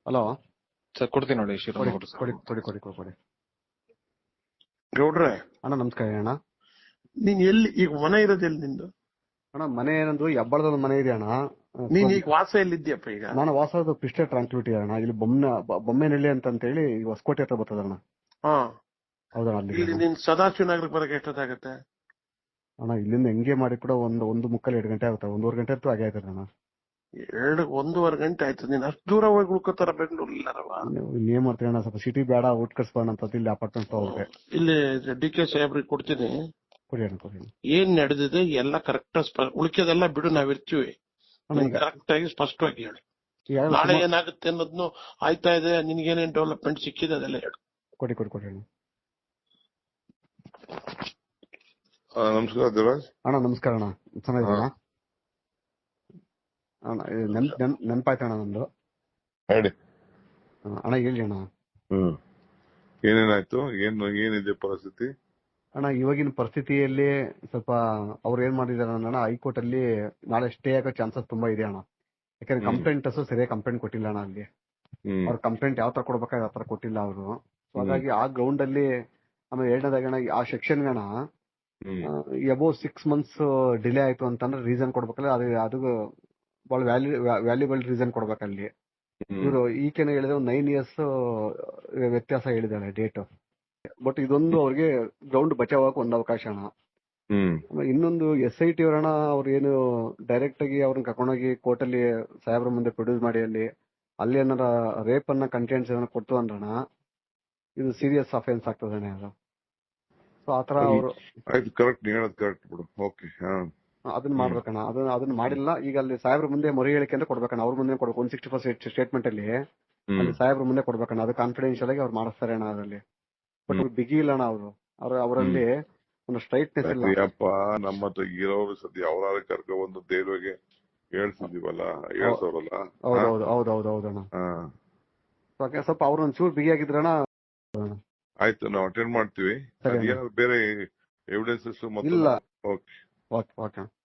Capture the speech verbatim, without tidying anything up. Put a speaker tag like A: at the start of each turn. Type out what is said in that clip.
A: Hello
B: sir ಕೊಡ್ತೀನಿ ನೋಡಿ
A: ಕೊಡಿ
B: ಶ್ರೀರಾಮ್
A: ಕೊಡಿ ಕೊಡಿ ಕೊಡಿ ಕೊಡಿ ಕೊಡಿ
C: ಗೌಡ್ರೆ,
A: ಅಣ್ಣ ನಮಸ್ಕಾರ ಅಣ್ಣ.
C: ನೀನ್ ಎಲ್ಲಿ ಈಗ ಮನೆ ಇರೋದು ಎಲ್ಲಿ ನಿಂದು?
A: ಅಣ್ಣ ಮನೆ ಏನಂದ್ರು ಹೆಬ್ಬಳದ ಮನೆ ಇದೆ ಅಣ್ಣ.
C: ನೀನ್ ಈಗ ವಾಸ ಎಲ್ಲಿದ್ಯಪ್ಪ ಈಗ?
A: ನಾನು ವಾಸದ ಪಿಸ್ಟೆ ಟ್ರಾನ್ಸ್ಪಿಟಿ ಅಣ್ಣ. ಇಲ್ಲಿ ಬೊಮ್ಮೆ ಬೊಮ್ಮೆನಹಳ್ಳಿ ಅಂತ ಹೇಳಿ ಹೊಸಕೋಟೆ ಹತ್ರ ಬರ್ತದ ಅಣ್ಣ.
C: ಹಾ,
A: ಹೌದಣ್ಣ ಅಲ್ಲಿ
C: ಇಲ್ಲಿ ನೀನ್ ಸದಾಶಿವ ನಗರಕ್ಕೆ ಬರಕ್ಕೆ ಎಷ್ಟೊತ್ತಾಗತ್ತೆ?
A: ಅಣ್ಣ ಇಲ್ಲಿಂದ ಹೆಂಗೆ ಮಾಡಿ ಕೂಡ ಒಂದು ಒಂದು ಮುಕ್ಕಲ್ ಎರಡು ಗಂಟೆ ಆಗುತ್ತೆ. ಒಂದೂವರೆ ಗಂಟೆ ಅಂತೂ ಆಗೇ ಆಯ್ತದೆ ಅಣ್ಣ.
C: ಎರಡು ಒಂದೂವರೆ ಗಂಟೆ ಆಯ್ತು. ನೀನ್ ಅಷ್ಟು ದೂರ ಹೋಗಿ ಉಳ್ಕೋತಾರ ಬೆಂಗಳೂರು ಇಲ್ಲಾರವ?
A: ಇಲ್ಲಿ ಏನ್ ಮಾಡ್ತೀವಿ ಅಣ್ಣ, ಸ್ವಲ್ಪ ಸಿಟಿ ಬೇಡ, ಊಟ ಕಟ್ಸ್ಬೋಣ ಅಂತ ಇಲ್ಲಿ ಅಪಾರ್ಟ್ಮೆಂಟ್ ಹೋಗ್ರೆ.
C: ಇಲ್ಲಿ ಡಿ ಕೆ ಸಾಹೇಬ್ರಿಗೆ ಕೊಡ್ತೀನಿ.
A: ಕೊಡಿ ಅಣ್ಣ ಕೊಡಿ.
C: ಏನ್ ನಡೆದಿದೆ ಎಲ್ಲ ಕರೆಕ್ಟ್, ಉಳಿಕೆದೆಲ್ಲ ಬಿಡು, ನಾವಿರ್ತೀವಿ. ಕರೆಕ್ಟ್ ಆಗಿ ಸ್ಪಷ್ಟವಾಗಿ ಹೇಳಿ. ನಾಳೆ ಏನಾಗುತ್ತೆ ಅನ್ನೋದ್ನು ಆಯ್ತಾ ಇದೆ, ನಿನ್ಗೇನೇನ್ ಡೆವಲಪ್ಮೆಂಟ್ ಸಿಕ್ಕಿದೆ ಅದೆಲ್ಲ ಹೇಳು.
A: ಕೊಡಿ ಕೊಡಿ ಕೊಡಿ ಅಣ್ಣ.
D: ನಮಸ್ಕಾರ ದೇವರಾಜ್
A: ಅಣ್ಣ ನಮಸ್ಕಾರ ಅಣ್ಣ. ಚೆನ್ನಾಗಿದ್ದೀರಾ ಅಣ್ಣ? ನೆನ್ ನೆನ್ ನೆನಪಾಯ್ತಣ್ಣ ನಂದು.
D: ಹೇಳಿ
A: ಅಣ್ಣ ಹೇಳಿ ಅಣ್ಣ.
D: ಹ್ಮ್ ಏನೇನಾಯ್ತು? ಏನು ಏನಿದೆ ಪರಿಸ್ಥಿತಿ?
A: ಅಣ್ಣ ಇವಾಗಿನ ಪರಿಸ್ಥಿತಿಯಲ್ಲಿ ಸ್ವಲ್ಪ ಅವ್ರು ಏನ್ ಮಾಡಿದಾರೆ ಅಣ್ಣ, ಹೈಕೋರ್ಟ್ ಅಲ್ಲಿ ನಾಳೆ ಸ್ಟೇ ಆಗೋ ಚಾನ್ಸಸ್ ತುಂಬಾ ಇದೆ ಅಣ್ಣ. ಯಾಕಂದ್ರೆ ಕಂಪ್ಲೇಂಟರ್ಸ್ ಸರಿಯಾಗಿ ಕಂಪ್ಲೇಂಟ್ ಕೊಟ್ಟಿಲ್ಲ ಅಣ್ಣ. ಅಲ್ಲಿ ಅವ್ರ ಕಂಪ್ಲೇಂಟ್ ಯಾವ ತರ ಕೊಡ್ಬೇಕಾದ್ರೆ ಆ ತರ ಕೊಟ್ಟಿಲ್ಲ ಅವರು. ಸೊ ಹಾಗಾಗಿ ಆ ಗ್ರೌಂಡ್ ಅಲ್ಲಿ ಆಮೇಲೆ ಎರಡನೇದಾಗ ಅಣ್ಣ ಆ ಸೆಕ್ಷನ್ ಅಣ್ಣ ಎಬೋ ಸಿಕ್ಸ್ ಮಂತ್ಸ್ ಡಿಲೇ ಆಯ್ತು ಅಂತಂದ್ರೆ ರೀಸನ್ ಕೊಡ್ಬೇಕಲ್ಲ, ಅದು ಅದು ಬಹಳ ವ್ಯಾಲ್ಯೂ ವ್ಯಾಲ್ಯೂಬಲ್ ರೀಸನ್ ಕೊಡ್ಬೇಕಲ್ಲಿ. ಇವರು ಈಕೆನ ಹೇಳಿದ್ರೆ ಒಂದು ನೈನ್ ಇಯರ್ಸ್ ವ್ಯತ್ಯಾಸ ಹೇಳಿದಾಳೆ ಡೇಟ್. ಬಟ್ ಇದೊಂದು ಅವ್ರಿಗೆ ಗ್ರೌಂಡ್ ಬಚಾವಕ್ಕೆ ಒಂದು ಅವಕಾಶ ಅಣ್ಣ. ಇನ್ನೊಂದು ಎಸ್ ಐ ಟಿ ಅವರಣ್ಣ, ಅವ್ರು ಏನು ಡೈರೆಕ್ಟ್ ಆಗಿ ಅವ್ರನ್ನ ಕರ್ಕೊಂಡೋಗಿ ಕೋರ್ಟ್ ಅಲ್ಲಿ ಸಾಹೇಬ್ರ ಮುಂದೆ ಪ್ರೊಡ್ಯೂಸ್ ಮಾಡಿ ಅಲ್ಲಿ ಅಲ್ಲಿ ಏನಾರ ರೇಪ್ ಅನ್ನ ಕಂಟೆಂಟ್ಸ್ ಏನಾರ ಕೊಡ್ತು ಅಂದ್ರಣ ಇದು ಸೀರಿಯಸ್ ಅಫೆನ್ಸ್ ಆಗ್ತದಣ್ಣ ಅದು. ಸೊ ಆತರ ಅವರು
D: ಕರೆಕ್ಟ್ ಹೇಳೋದು ಕರೆಕ್ಟ್ ಬಿಡು. ಓಕೆ,
A: ಅದನ್ನ ಮಾಡ್ಬೇಕಣ್ಣ. ಅದನ್ನ ಅದನ್ನ ಮಾಡಿಲ್ಲ. ಈಗ ಅಲ್ಲಿ ಸಾಹೇಬ್ರ ಮುಂದೆ ಮೊರೆ ಹೇಳಿಕೆ ಅಂತ ಕೊಡ್ಬೇಕಣ್ಣ. ಅವ್ರ ಮುಂದೆ ಕೊಡ್ಬೇಕು. ಒನ್ ಸಿಕ್ಸ್ಟಿ ಫೋರ್ ಸ್ಟೇಟ್ಮೆಂಟ್ ಅಲ್ಲಿ ಅಲ್ಲಿ ಸಾಹೇಬ್ರ ಮುಂದೆ ಕೊಡ್ಬೇಕಣ್ಣ. ಅದು ಕಾನ್ಫಿಡೆನ್ಶಿಯಲ್ ಆಗಿ ಅವ್ರು ಮಾಡಿಸ್ತಾರೆ ಅಣ್ಣ ಅದರಲ್ಲಿ. ಬಟ್ ಬಿಗಿ ಇಲ್ಲ ಅಣ್ಣ ಅವರು. ಅವ್ರ ಅವರಲ್ಲಿ ಒಂದು ಸ್ಟ್ರೈಟ್ನೆಸ್ ಇಲ್ಲ.
D: ಅಪ್ಪ ನಮ್ಮ ಹತ್ರ ಇರೋರು ಸದ್ಯ ಅವರಾರ ಕರ್ಕೊ ಬಂದು ದೇವ್ರಿಗೆ ಹೇಳ್ಸಿದೀವಲ್ಲ, ಹೇಳ್ಸೋರಲ್ಲ.
A: ಹೌದೌದು ಹೌದೌದು ಹೌದಣ್ಣ. ಸ್ವಲ್ಪ ಅವ್ರ ಒಂಚೂರು ಬಿಗಿ ಆಗಿದ್ರಣ್ಣ.
D: ಆಯ್ತು, ನಾವು ಅಟೆಂಡ್ ಮಾಡ್ತೀವಿ. ಬೇರೆ ಎವಿಡೆನ್ಸಸ್
A: ಇಲ್ಲ.
D: Okay
A: okay okay